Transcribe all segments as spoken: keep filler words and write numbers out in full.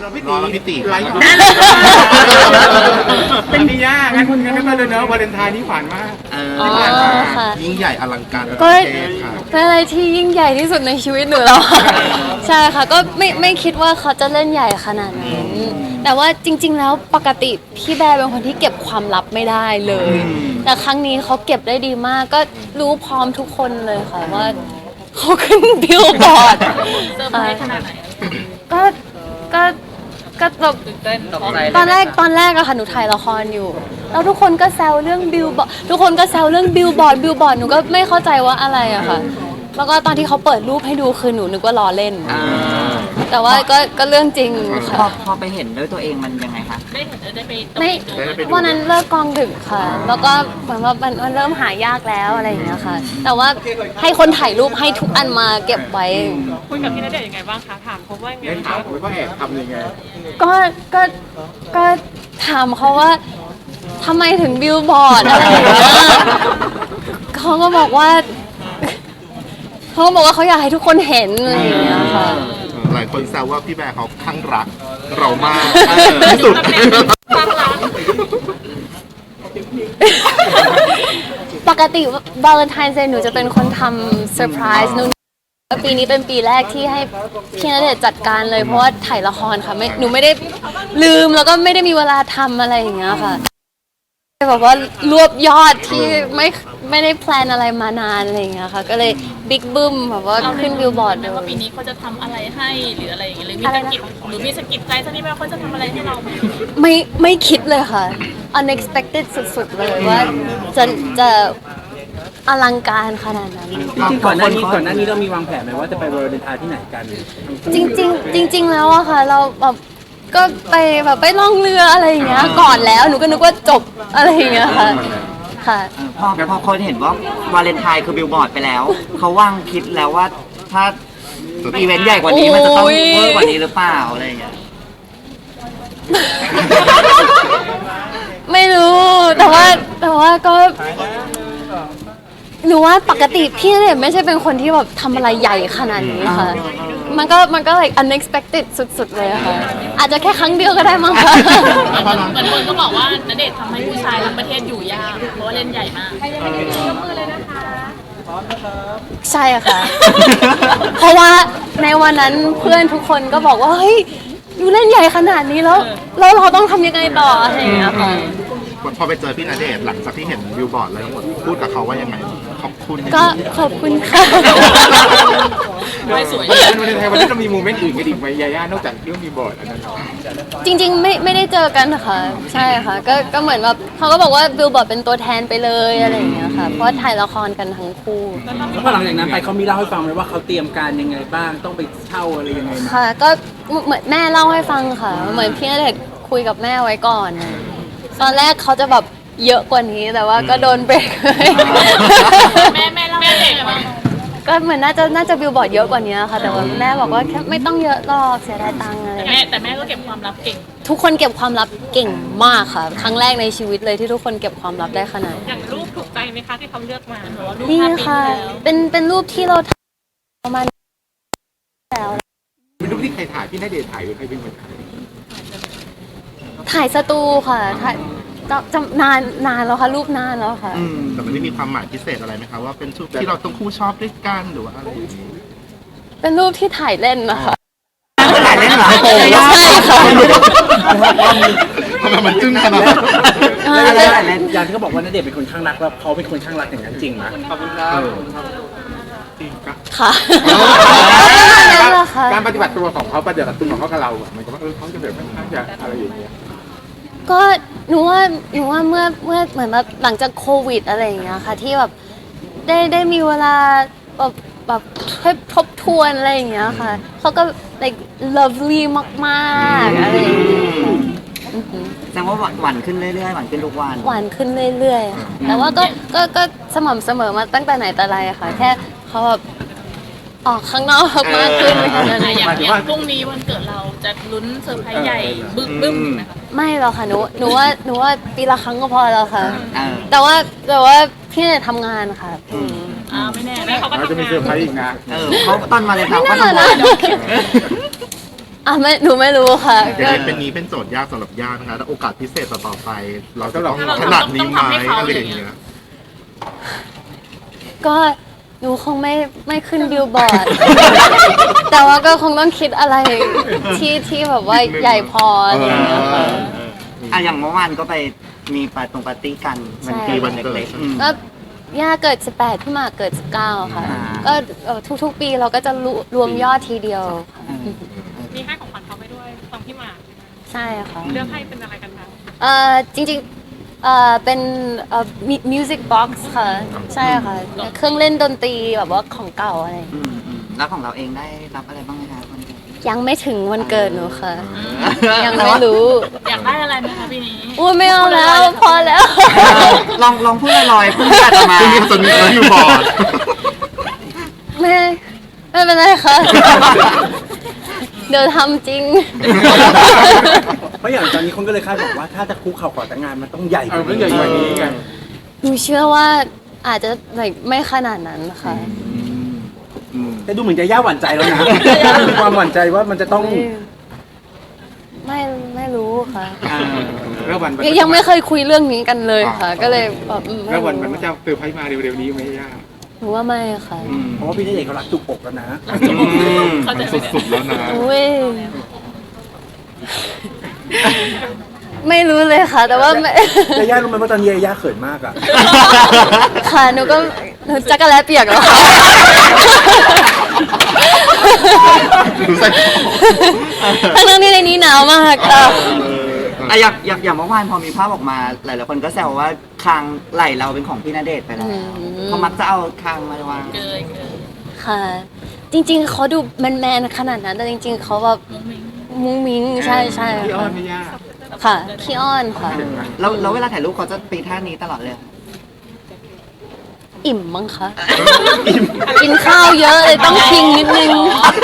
พี่ตีพี่ตีไลฟ์เป็นพี่ย่างั้นงั้นก็เลยเนอะวาเลนไทน์นี่ผ่านมากอ๋อค่ะยิ่งใหญ่อลังการก็เทพค่ะเป็นอะไรที่ยิ่งใหญ่ที่สุดในชีวิตหนูแล้ว ใช่ค่ะก็ไม่ไม่คิดว่าเขาจะเล่นใหญ่ขนาดนั้นแต่ว่าจริง ๆ แล้วปกติพี่แบร์เป็นคนที่เก็บความลับไม่ได้เลย แต่ครั้งนี้เขาเก็บได้ดีมากก็รู้พร้อมทุกคนเลยค่ะว่าเขาขึ้นบิลบอร์ดเซอร์ไพรส์ขนาดไหนก็ก็ก็แบบตื่นเต้นตกใจตอนแรกตอนแรกอะค่ะหนูถ่ายละครอยู่แล้วทุกคนก็แซวเรื่องบิลบอร์ดทุกคนก็แซวเรื่องบิลบอร์ดบิลบอร์ดหนูก็ไม่เข้าใจว่าอะไรอะค่ะแล้วก็ตอนที่เขาเปิดรูปให้ดูคือหนูนึกว่าล้อเล่น แต่ว่าก็ก็เรื่องจริงพอค่ะพอไปเห็นด้วยตัวเองมันยังไงคะได้เห็นได้ไปไม่วันนั้นเลิกกองดึกค่ะ แล้วก็เหมือนว่ามันมันเริ่มหายากแล้วอะไรอย่างเงี้ยค่ะ แต่ว่าให้คนถ่ายรูปให้ทุกอันมาเก็บไว้คุยกับพี่ณเดชน์ยังไงบ้างคะถามเขาว่ายังไงเล่นคะถามว่าแอบทำยังไงก็ก็ก็ถามเขาว่าทำไมถึงบิลบอร์ดอะไรอย่างเงี้ยเขาก็บอกว่าเขาก็บอกว่าเขาอยากให้ทุกคนเห็นอะไรอย่างเงี้ยค่ะหลายคนแซวว่าพี่แบร์เขาข้างรักเรามากที่สุดปกติวาเลนไทน์เดย์หนูจะเป็นคนทำเซอร์ไพรส์หนูปีนี้เป็นปีแรกที่ให้พี่ณเดชน์จัดการเลยเพราะว่าถ่ายละครค่ะไม่หนูไม่ได้ลืมแล้วก็ไม่ได้มีเวลาทำอะไรอย่างเงี้ยค่ะแบบว่ารวบยอดที่ไม่ไม่ได้แพลนอะไรมานานอะไรอย่างเงี้ยค่ะก็เลยบิ๊กบึ้มแบบว่าขึ้นบิลบอร์ดเลยว่าปีนี้เขาจะทำอะไรให้หรืออะไรอย่างเงี้ยหรือมีสกิปหรือมีสกิปใจสักนิดว่าเขาจะทำอะไรให้เราไหมไม่ไม่คิดเลยค่ะ unexpected สุดๆเลยว่าจะจะอลังการขนาดนั้นจริงๆก่อนหน้านี้ก่อนหน้านี้เรามีวางแผนไหมว่าจะไปวาเลนไทน์ที่ไหนกันจริงๆจริง ๆ แล้วอะค่ะ เราแบบก็ไปแบบไปล่องเรืออะไรอย่างเงี้ยก่อนแล้วหนูก็นึกว่าจบอะไรอย่างเงี้ยค่ะค่ะพอพอคนเห็นว่าวาเลนไทน์คือบิลบอร์ดไปแล้ว เขาวางคิดแล้วว่าถ้าอีเวนต์ใหญ่กว่านี้มันจะต้องโอ้ยเวอร์กว่านี้หรือเปล่าอะไรอย่างเงี้ยไม่รู้แต่ว่าแต่ว่าก็หนูว่าปกติพี่เนี่ยไม่ใช่เป็นคนที่แบบทำอะไรใหญ่ขนาดนี้ค่ะ มันก็มันก็ like unexpected สุดๆเลยอะค่ะ อาจจะแค่ครั้งเดียวก็ได้มั้งคะเหมือนคนก็บอกว่าณเดชน์ทำให้ผู้ชายทั้งประเทศอยู่ยากเพราะว่าเล่นใหญ่มากใช่ค่ะ เพราะว่าในวันนั้นเพื่อนทุกคนก็บอกว่าเฮ้ยอยู่เล่นใหญ่ขนาดนี้แล้วแล้วเราต้องทำยังไงต่ออะไรอย่างเงี้ยค่ะพอไปเจอพี่ณเดชน์หลังจากที่เห็นบิลบอร์ดแล้วทั้งหมดพูดกับเขาว่ายังไงขอบคุณก็ขอบคุณค่ะไม่สวยวาเลนไทน์วันนี้เรามีโมเมนต์อื่นกันอีกไหมยาย่านอกจากเรื่องมีบอร์ดอันนั้นจริงๆไม่ไม่ได้เจอกันค่ะใช่ค่ะก็ก็เหมือนแบบเขาก็บอกว่าบิลบอร์ดเป็นตัวแทนไปเลยอะไรอย่างเงี้ยค่ะเพราะว่าถ่ายละครกันทั้งคู่แล้วพอหลังจากนั้นไปเขามีเล่าให้ฟังไหมว่าเขาเตรียมการยังไงบ้างต้องไปเช่าอะไรยังไงไหมค่ะก็เหมือนแม่เล่าให้ฟังค่ะ เหมือนพี่ณเดชน์คุยกับแม่ไว้ก่อน ตอนแรกเขาจะแบบเยอะกว่านี้แต่ว่าก็โดนเบรกเลยแม่แม่เล่าแม่เด็กว่าก็เหมือนน่าจะน่าจะบิลบอร์ดเยอะกว่านี้ค่ะ แต่ว่าแม่บอกว่าแค่ไม่ต้องเยอะหรอกเสียดายตังค์อะไรแต่แม่แต่แม่ก็เก็บความลับเก่งทุกคนเก็บความลับเก่งมากค่ะ ครั้งแรกในชีวิตเลยที่ทุกคนเก็บความลับได้ขนาดนี้อย่างรูปถูกใจไหมคะที่เขาเลือกมาหรือว่ารูปนี่ภาพปีค่ะที่แล้วเป็นเป็นรูปที่เราถ่ายประมาณแล้วเป็นรูปที่ใครถ่ายพี่ณเดชน์ถ่ายหรือใครเป็นคนถ่ายถ่ายสตูค่ะถ่ายจำจำนานนานแล้วค่ะรูปนานแล้วค่ะแต่มันได้มีความหมายพิเศษอะไรไหมคะว่าเป็นชุดที่เราต้องคู่ชอบด้วยกันหรือว่าอะไรอย่างนี้เป็นรูปที่ถ่ายเล่นนะคะถ่ายเล่นเหรอใช่ค่ะทำไมมันจึ้งขนาดนั้นแล้วแล้วแล้วอย่างที่เขาบอกว่าณเดชน์เป็นคนข้างรักแล้วเขาเป็นคนข้างรักอย่างนั้นจริงไหมขอบคุณครับค่ะการนั่นแหละค่ะการปฏิบัติตัวของเขาปฏิบัติตัวของเขากับเราอะมันก็ว่าเออเขาจะแบบค่อนข้างจะอะไรอย่างเงี้ยก็หนูว่าหนูว่าเมื่อเมื่อเหมือนแบบหลังจากโควิดอะไรอย่างเงี้ยค่ะที่แบบได้ได้มีเวลาแบบแบบให้ทบทวนอะไรอย่างเงี้ยค่ะเขาก็ like lovely มากๆอะไรอย่างเงี้ยอือหือแสดงว่าหวานขึ้นเรื่อยๆหวานขึ้นทุกวันหวานขึ้นเรื่อยๆค่ะแต่ว่าก็ก็ก็สม่ำเสมอมาตั้งแต่ไหนแต่ไรอะค่ะแค่เขาแบบออกข้างนอกมากขึ้นแค่นั้นอ่ะเองอย่างอย่างพรุ่งนี้วันเกิดเราจะลุ้นเซอร์ไพรส์ใหญ่บึ้มบึ้มไหมคะไม่หรอกค่ะหนูหนูว่าหนูว่าปีละครั้งก็พอแล้วค่ะเออแต่ว่าแต่ว่าพี่เนี่ยทำงานค่ะอืมอ่าไม่แน่แม่เขาก็เราทำจะมีงาเซอร์ไพรนส์อีกนะเออเขาตอนวาเลนไทน์ไม่เขาน่าทำนะงานอ่ะไม่หนูไม่รู้ค่ะเดี๋ยก็วเป็นนี้เป็นโจทย์ยากสำหรับย่านะคะถ้าโอกาสพิเศษต่อๆไป เราจะเราต้องต้องขนาดนี้ไหมอะไรอย่างเงี้ยก็หนูคงไม่ไม่ขึ้นบิลบอร์ด แต่ว่าก็คงต้องคิดอะไรที่ที่แบบว่าใหญ่พออะไรอย่างเงี้ยค่ะอ่ะอย่างเมื่อวานก็ไปมีปาร์ตรงปาร์ตี้กันใช่มันปีวันเล็กๆอืมก็ย่าเกิดสิบแปดพี่หมากเกิดสิบเก้าค่ะอ่าก็เอ่อทุกๆปีเราก็จะรวรวมยอดทีเดียวค่ะอืมมีให้ของขวัญเขาไปด้วยฟังพี่หมากใช่ค่ะเลือกให้เป็นอะไรกันคะเอ่อจริงๆเอ่อเป็นเอ่อมิวสิกบ็อกซ์ค่ะ ใช่ค่ะ เครื่องเล่นดนตรีแบบว่าของเก่าอะไรอย่างอืเงี้ยมอืมแล้วของเราเองได้รับอะไรบ้างไหมคะวันเกิดยังไม่ถึงวันเกิดหนูค่ะ ยังไม่รู้อยากได้อะไรไหมคะปีนี้อุ้ยไม่เอาแล้ว พอแล้วลองลองพูดลอยๆพูดอาตมาซึ่งจะมีบิลบอร์ดไม่ไม่เป็นไรค่ะ เดี๋ยวทำจริงเพราะอย่างตอนนี้คนก็เลยคาดบอกว่าถ้าจะคุกเข่าขอแต่งงานมันต้องใหญ่เออมันใหญ่กว่านี้ไงหนูเชื่อว่าอาจจะ like ไม่ขนาดนั้นค่ะอืมแต่ดูเหมือนจะย่าหวั่นใจแล้วนะมีความหวั่นใจว่ามันจะต้องไม่ไม่รู้ค่ะอ่าแล้ววันยังยังไม่เคยคุยเรื่องนี้กันเลยค่ะ ก็เลยแบบอืมไม่แล้ววันรู้มันจะเซอร์ไพรส์มาเร็วๆนี้ไหมย่าหนูว่าไม่ค่ะเพราะว่าพี่ณเดชน์เขารักจุกอกแล้วนะเข้าใจมันไหมสุดๆแล้วนะอุ้ยไม่รู้เลยค่ะ แต่ว่าไม่ยาย่ารู้ไหมว่าตอนนี้ยาย่าเขินมากอ่ะค่ะหนูก็หนูจักรแล้เปียกแล้วค่ะดูใส่ทั้งๆที่ในนี้หนาวมากอ่ะอ่ะอย่างอย่างอย่างเมื่อวานพอมีภาพออกมาหลายๆคนก็แซวว่าคางไหลเราเป็นของพี่ณเดชน์ไปแล้วเขามักจะเอาคางมาวางเกยเกยค่ะ จริงๆเขาดูแมนๆขนาดนั้นแต่จริง ๆเขาแบบมุ้งมิ้งใช่ใช่พี่อ้อค่ะนไหม่ย่าค่ะขี้อ้อนค่ะแล้วแล้วเวลาถ่ายรูปเขาจะตีท่านี้ตลอดเลยอิ่มมั้งคะกินข้าวเยอะเลยต้องพิงนิดนึง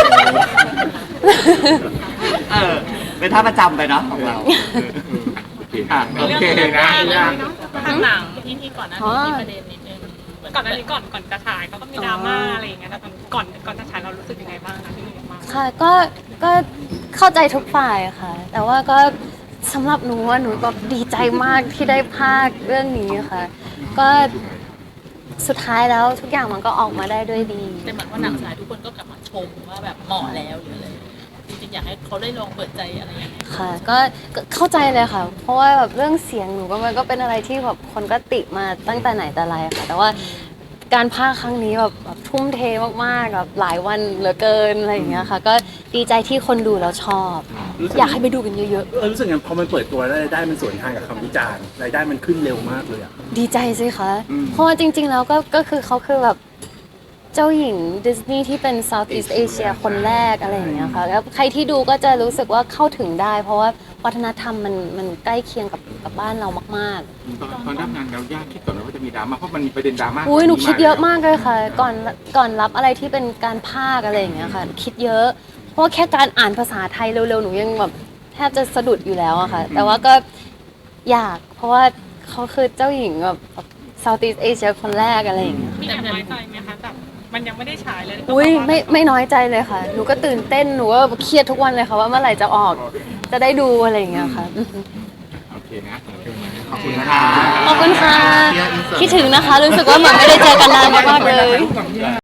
เออเป็นท่าประจำไปเนาะของเรา อ่ะโอเคนะย่าทางหนังที่ที่ก่อนหน้านี้มีประเด็นนิดนึงก่อนหน้านี้ก่อนก่อนจะฉายเขาก็มีดราม่าอะไรอย่างเงี้ยแต่ก่อนก่อนจะฉายเรารู้สึกยังไงบ้างคะที่มีดราม่าค่ะก็ก็เข้าใจทุกฝ่ายค่ะ แต่ว่าก็สำหรับหนูว่าหนูแบบดีใจมากที่ได้ภาคเรื่องนี้ค่ะ ก็สุดท้ายแล้วทุกอย่างมันก็ออกมาได้ด้วยดีแต่เหมือนว่าหนังฉายทุกคนก็กลับมาชมว่าแบบเหมาะแล้วหรืออะไรจริงๆอยากให้เขาได้ลองเปิดใจอะไรอย่างเงี้ยค่ะก็ก็เข้าใจเลยค่ะ เพราะว่าแบบเรื่องเสียงหนูก็มันก็เป็นอะไรที่แบบคนก็ติมาตั้งแต่ไหนแต่ไรค่ะ แต่ว่าการพากย์ครั้งนี้แบบแบบทุ่มเทมากๆแบบหลายวันเหลือเกินอะไรอย่างเงี้ยค่ะ ก็ดีใจที่คนดูแล้วชอบ อยากให้ไปดูกันเยอะเออรู้สึกไงพอมันเปิดตัวแล้วรายได้มันสวนทางกับคำวิจารณ์รายได้มันขึ้นเร็วมากเลยอ่ะๆ ดีใจสิคะ เพราะว่าจริง ๆ แล้วก็ก็คือเขาคือแบบเจ้าหญิงดิสนีย์ที่เป็น Southeast Asia คนแรกอะไรอย่างเงี้ยค่ะแล้วใครที่ดูก็จะรู้สึกว่าเข้าถึงได้ เพราะว่าวัฒนธรรมมันมันใกล้เคียงกับกับบ้านเรามากๆตอนตอนรับงานแล้วย่าคิดก่อนไหมว่าจะมีดราม่าเพราะมันมีประเด็นดราม่าอุ้ยหนูคิดเยอะมากเลยค่ะ ก่อนก่อนรับอะไรที่เป็นการพากย์อะไรอย่างเงี้ยค่ะคิดเยอะ เพราะว่าแค่การอ่านภาษาไทยเร็วๆหนูยังแบบแทบจะสะดุดอยู่แล้วอะค่ะ แต่ว่าก็อยากเพราะว่าเขาคือเจ้าหญิงแบบ Southeast Asia คนแรกอะไรอย่างเงี้ยมีแอบน้อยใจไหมคะแบบมันยังไม่ได้ฉายเลยอุ้ยไม่ไม่น้อยใจเลยค่ะ หนูก็ตื่นเต้นหนูก็เครียดทุกวันเลยค่ะว่าเมื่อไหร่จะออกจะได้ดูอะไรอย่างเงี้ยค่ะโอเคนะโอเคไหมขอบคุณนะคะขอบคุณค่ะคิดถึงนะคะ รู้สึกว่าเหมือนไม่ได้เจอกันนานมากๆเลย